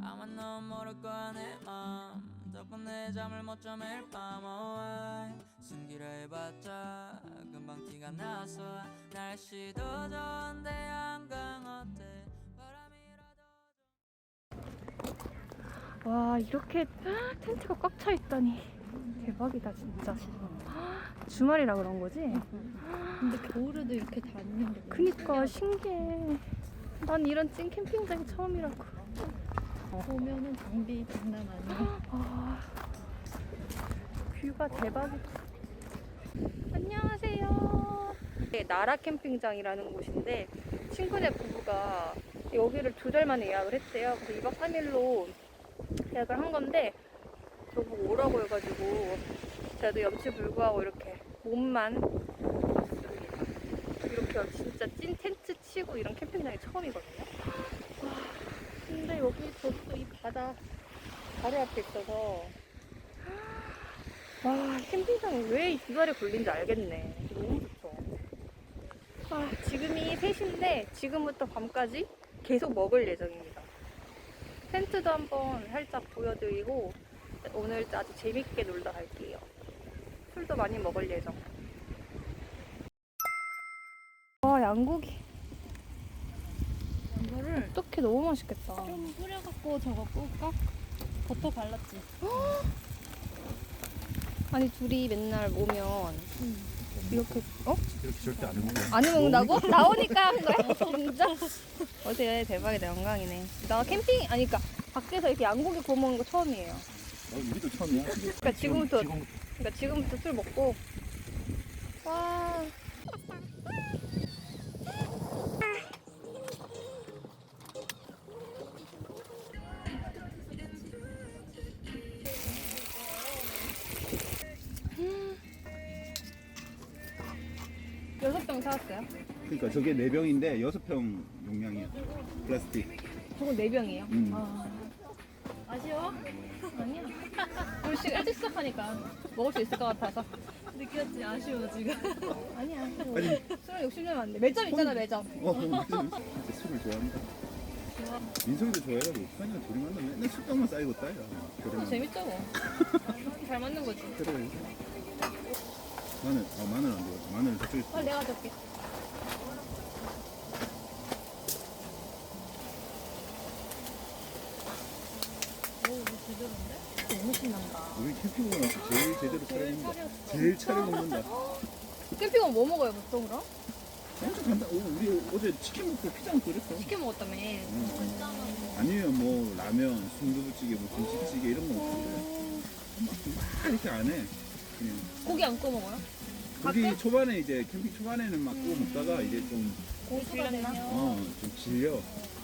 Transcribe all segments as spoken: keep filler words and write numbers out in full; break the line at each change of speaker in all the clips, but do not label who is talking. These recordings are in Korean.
아마 넌 모를 거야 내 맘 덕분 내 잠을 못 잠 매일 밤 oh, 숨기려 해봤자 금방 티가 났어 날씨도 좋은데 한강 어때 바람이라도
와, 이렇게 텐트가 꽉 차 있다니 대박이다 진짜. 주말이라 그런 거지?
근데 겨울에도 이렇게 다니는 게
그니까 신기해. 난 이런 찐 캠핑장이 처음이라고.
보면은 장비 장난 아니야.
아, 뷰가 대박이다. 안녕하세요. 네, 나라 캠핑장이라는 곳인데 친구네 부부가 여기를 두 달 만에 예약을 했대요. 그래서 이 박 삼 일로 예약을 한 건데 저보고 오라고 해가지고 저도 염치불구하고 이렇게 몸만 왔습니다. 이렇게 진짜 찐 텐트 치고 이런 캠핑장이 처음이거든요. 와, 근데 여기 저도 이 바다 바로 앞에 있어서 와, 캠핑장이 왜 이 두 달이 걸린지 알겠네. 너무 좋죠. 아, 지금이 세 시인데 지금부터 밤까지 계속 먹을 예정입니다. 텐트도 한번 살짝 보여드리고 오늘 아주 재밌게 놀다 갈게요. 술도 많이 먹을 예정. 와, 양고기.
이거를
어떡해, 너무 맛있겠다.
좀 뿌려갖고 저거 꿀까? 버터 발랐지.
아니, 둘이 맨날 오면 이렇게, 어?
이렇게 절대 안 해먹어.
안 해먹는다고? 나오니까 한 거야? 진짜? 어때? 대박이다, 영광이네. 나 캠핑, 아니, 그니까 밖에서 이렇게 양고기 구워 먹는 거 처음이에요.
어, 우리도 처음이야.
그러니까 지금부터,
지금,
그러니까 지금부터 술 먹고. 와. 여섯 병 사왔어요?
그러니까 저게 네 병인데 여섯 병 용량이야. 플라스틱.
저거 네 병이에요?
음.
아. 아쉬워? 아니야. 우리 지금 일찍 시작하니까 먹을 수 있을 것 같아서.
느꼈지? 아쉬워 지금.
아니야.
아니,
술을 욕심내면 안 돼. 매점 있잖아, 매점.
어, 진짜 술을 좋아한다. 민석이도 좋아해가지고 현이가 둘이 만나면 맨날 술병만 쌓이고 따야.
또 재밌죠, 뭐. 잘 맞는 거지.
그래. 마늘, 아 마늘 안 좋아. 마늘은 저쪽에
아, 내가 줄게.
오 이거 제대로인데?
너무 신난다.
우리 캠핑 오고 나서 제일 제대로 차려먹는다. 제일 차려 먹는다.
캠핑은 뭐 먹어요, 보통 그럼?
엄청 간다. 오, 우리 어제 치킨 먹고 피자 먹고 그랬어.
치킨 먹었다며.
응. 아니면 뭐 라면, 순두부찌개, 뭐 김치찌개 이런 거 먹고 막 이렇게 안 해. 그냥
고기 안 구워 먹어요?
고기 초반에 이제 캠핑 초반에는 막 구워 먹다가 이제 좀
고기가 되면.
어, 좀 질려.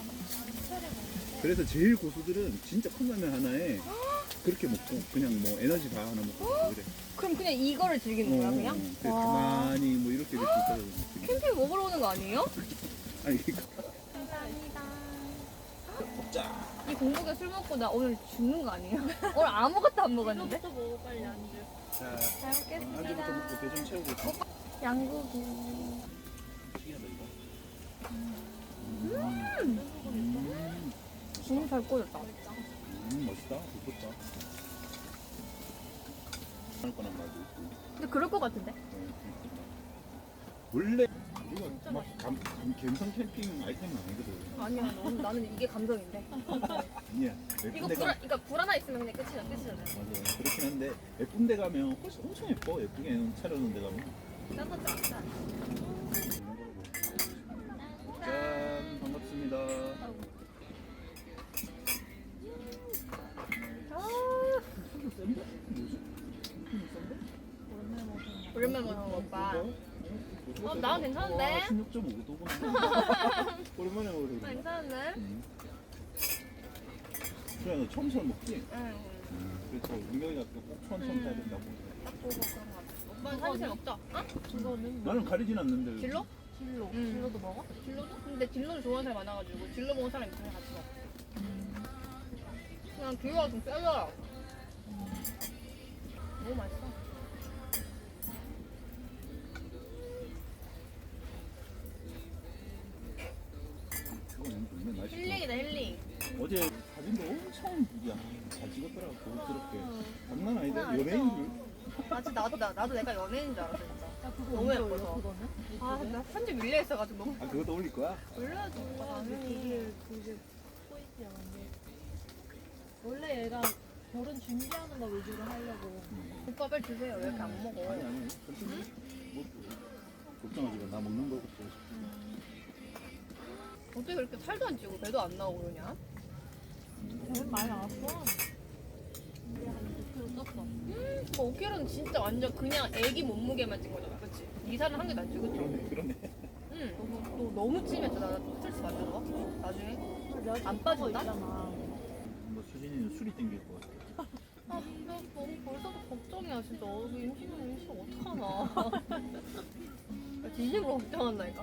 그래서 제일 고수들은 진짜 컵라면 하나에 그렇게 먹고 그냥 뭐 에너지 바 하나 먹고 그래.
그럼 그냥 이거를 즐기는 거야, 그냥?
어, 그래,
와.
가만히 뭐 이렇게 이렇게 있다가
캠핑 먹으러 오는 거 아니에요?
아니 이거
감사합니다.
먹자.
이 공복에 술 먹고 나 오늘 죽는 거 아니에요? 오늘 아무것도 안 먹었는데?
이거부터 먹어 빨리 안주.
자,
잘 먹겠습니다.
안주부터 먹고 배 좀 채우고 있어.
양고기.
신기하다 이거.
음. 너무 잘 구워졌다.
음 멋있다. 좋겠다. 할 거란 말도 있고.
근데 그럴 것 같은데?
원래 우리가 막 감, 감, 감성 캠핑 아이템은 아니거든.
아니야, 나는, 나는 이게 감성인데.
아니야.
이거
예쁜 데
불,
가
그러니까 불 하나 있으면 그냥 끝이야, 끝이잖아요.
맞아. 그렇긴 한데 예쁜 데 가면 훨씬 엄청 예뻐. 예쁘게 차려놓은 데 가면.
짜증나, 짜증나.
짠 반갑습니다.
아, 오랜만에 먹는 거 오빠. 어, 나는 괜찮은데?
십육 점 오 도구나. 오랜만에 먹으러
나
그래.
괜찮은데?
응. 수야 너 처음 처음 먹지?
응.
그래서 은경이가 꼭 처음 처음 사야 된다고.
딱 보고 그런 거 같아. 오빠는 사실 먹자. 어?
이거는 뭐?
나는 가리진 않는데.
딜로?
딜로.
음.
딜로도 먹어?
딜로도? 근데 딜로를 좋아하는 사람이 많아가지고 딜로 먹는 사람이 있으면 같이 먹어. 그냥 딜로가 좀 세더라. 너무 맛있어.
그거 너무 좋네. 날씨.
힐링이다, 힐링.
어제 사진 사진도 엄청 야, 잘 찍었더라고. 고급스럽게. 장난 아니다. 연예인 줄.
아 진짜 나도 나, 나도 내가 연예인인 줄 알았어 진짜.
야, 그거
너무
언제
예뻐서.
올려, 그거는?
아 근데 나 편집 밀려 있어가지고 너무
아 그것도 올릴 거야?
올려야지 오빠 당연히.
그게 그게 포인트야 근데 원래 얘가 결혼 준비하는 거 위주로 하려고
오빠 빨리 드세요. 왜 이렇게 안 먹어?
아니 아니. 천천히. 뭐, 걱정하지 마. 나 먹는 거 걱정.
어떻게 그렇게 살도 안 찌고 배도 안 나오고 그러냐?
결혼 많이 나왔어 근데 한 오 킬로 쪘어
뭐 오 킬로는 진짜 완전 그냥 애기 몸무게만 찐 거잖아, 그치? 이 살은 한 개도 안 찌고, 그치?
그러네 그러네.
응. 너, 너 너무 찜했어. 나 스트레스 많이 받아. 나중에. 안 빠진다?
뭐 수진이는 술이 땡길 것 같아.
아, 나 너무 벌써부터 걱정이야, 진짜. 어, 그 임신은 임신 어떡하나. 나 진심으로 걱정한다니까.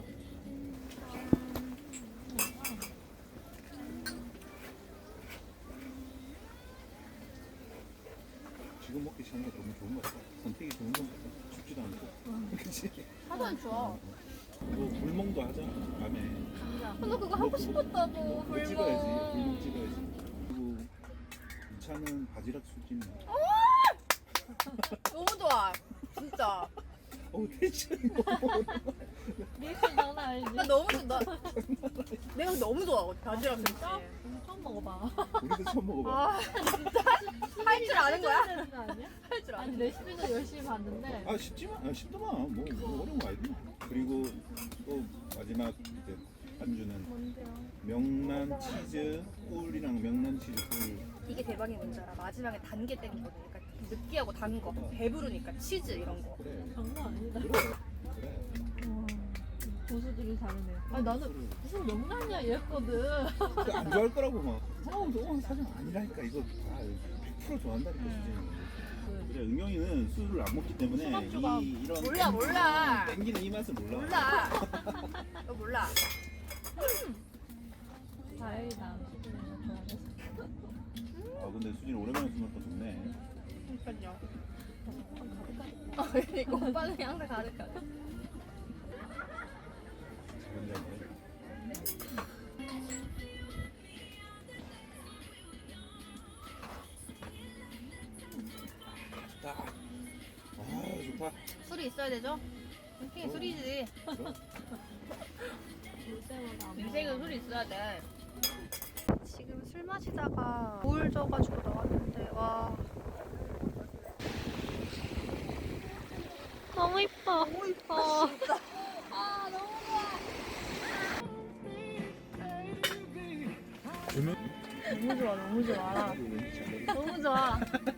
지금 먹기 시작한 게 너무 좋은 것 같아. 선택이 좋은 것 같아. 춥지도 않고. 그치?
하도 안 좋아.
뭐 불멍도 하자. 밤에.
아, 나 그거 하고 싶었다고,
그거 찍어야지. 불멍
불멍.
찍어야지. 그리고 이 차는 바지락 술찜.
너무 좋아. 진짜.
어우 텐션 너무
리액션 장난 아니지?
나 너무 좋아. 나, 내가 너무 좋아. 바지락
진짜?
진짜.
오늘 처음 먹어봐
우리도 처음 먹어봐.
아, 진짜? 할 줄 아는 거야?
되는 거 아니야?
할 줄 아는
아니 레시피도 열심히 봤는데
아 쉽지만 아 쉽더만 뭐, 뭐 어려운 거 아니지. 그리고 또 마지막 이제 안주는
뭔데요?
명란 치즈 꿀이랑 명란 치즈 꿀.
이게 대박인 뭔지 알아? 마지막에 단 게 땡기거든. 그러니까 느끼하고 단 거. 배부르니까 치즈 이런 거.
그래
장난 아니다
그래 그래.
와, 고수들이 다르네 아니 나는
술.
무슨 명란이야 이랬거든
그거 안 좋아할 거라고 막. 어, 너무 사정 아니라니까 이거 다 백 퍼센트 좋아한다니까 수진이. 그래 은경이는 술을 안 먹기 때문에
수납주가
이 이런
몰라, 몰라.
땡기는 이 맛을 몰라.
몰라. 너 몰라.
다행이다 수준이가 좋아해서
아 근데 수진이 오랜만에 술 먹고 좋네.
그러니까요. 어, 그러니까 오빠는 항상 가득하네.
작은 자리. 좋다. 아 좋다.
술이 있어야 되죠? 인생이 술이지.
그럼.
볼 때마다 안
인생은 술이 있어야 돼. 지금 술 마시다가 물 져가지고 나왔는데 와 너무 이뻐. 너무 이뻐. 진짜. 아 너무
음악?
너무 좋아 너무 좋아 너무 좋아.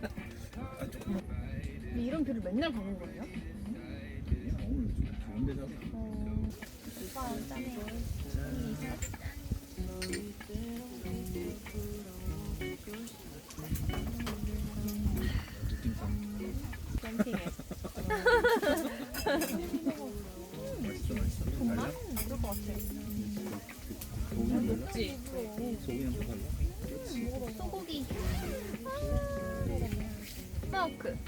근데 이런 뷰를 맨날 보는 거예요?
오늘 좋은 데잖아.
오빠 짠해. 캠핑해.
맛있어 맛있어. 달라?
그럴 것 같아.
소고기는 달라?
먹지.
소고기는 또 달라? 그렇지.
소고기. 스모크.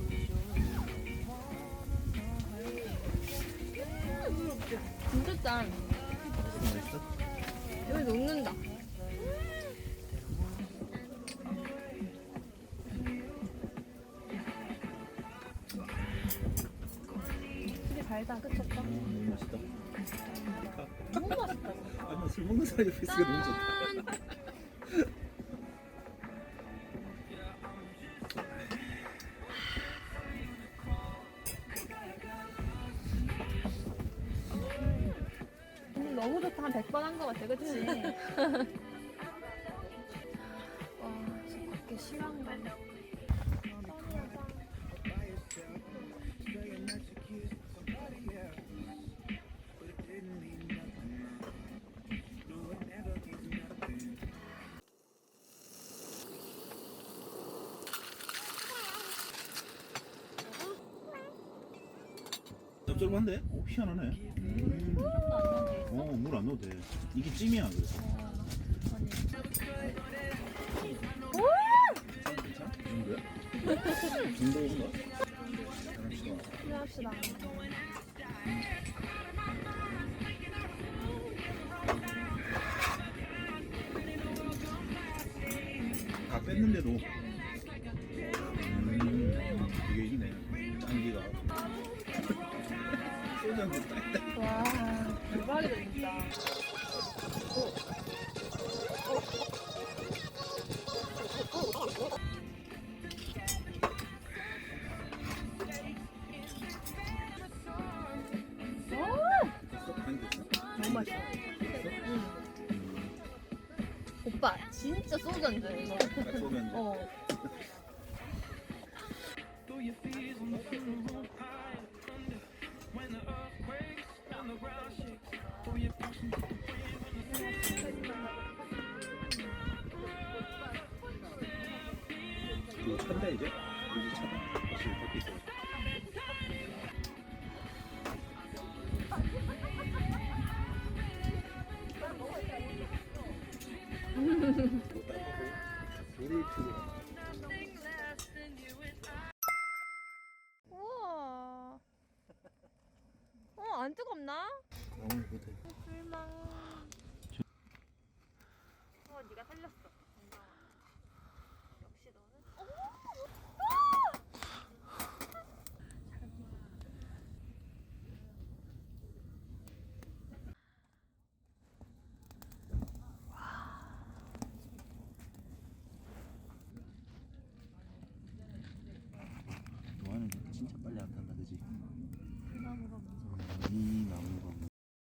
진짜 짠.
맛있어?
여기 녹는다. 되게 달다, 그치 오빠?
아 너무 맛있다.
너무 맛있다.
아나 술 먹는 사람이 옆에 있으니까 너무 좋다.
짠! 오늘 너무 좋다. 한 백 번 한 것 같아, 그치? 와, 그렇게 심한가?
짭짤한데? 오 희한하네. 음. 어, 물 안 넣어도 돼. 이게 찜이야, 그래서. 괜찮아? 이 정도야? 이 정도인가? 잘합시다.
합시다.
뺐는데도 음, 이게 있네. 짠기가. 소주 한잔 딱.
와.
대박이다 진짜.
너무 맛있어. 오빠 진짜 소주 한 잔. 이거.
딱 소주 한 잔.
어.
이거 찬다 이제? 이제 차다. 확실히 밖에 있어. 물을 주고.
우와. 어, 안 뜨겁나?
너무 못해.
불망. 어, 네가 살렸어. 역시 너는.
너는 진짜 빨리 안 탄다, 그지? 이 나무가 뭐.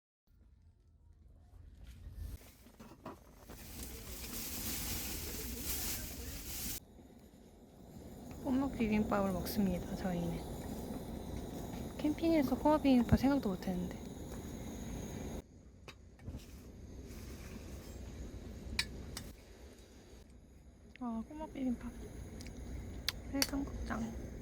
꼬막 비빔밥을 먹습니다. 저희는 캠핑에서 꼬막 비빔밥 생각도 못했는데. 아, 꼬막 비빔밥. 해장국장.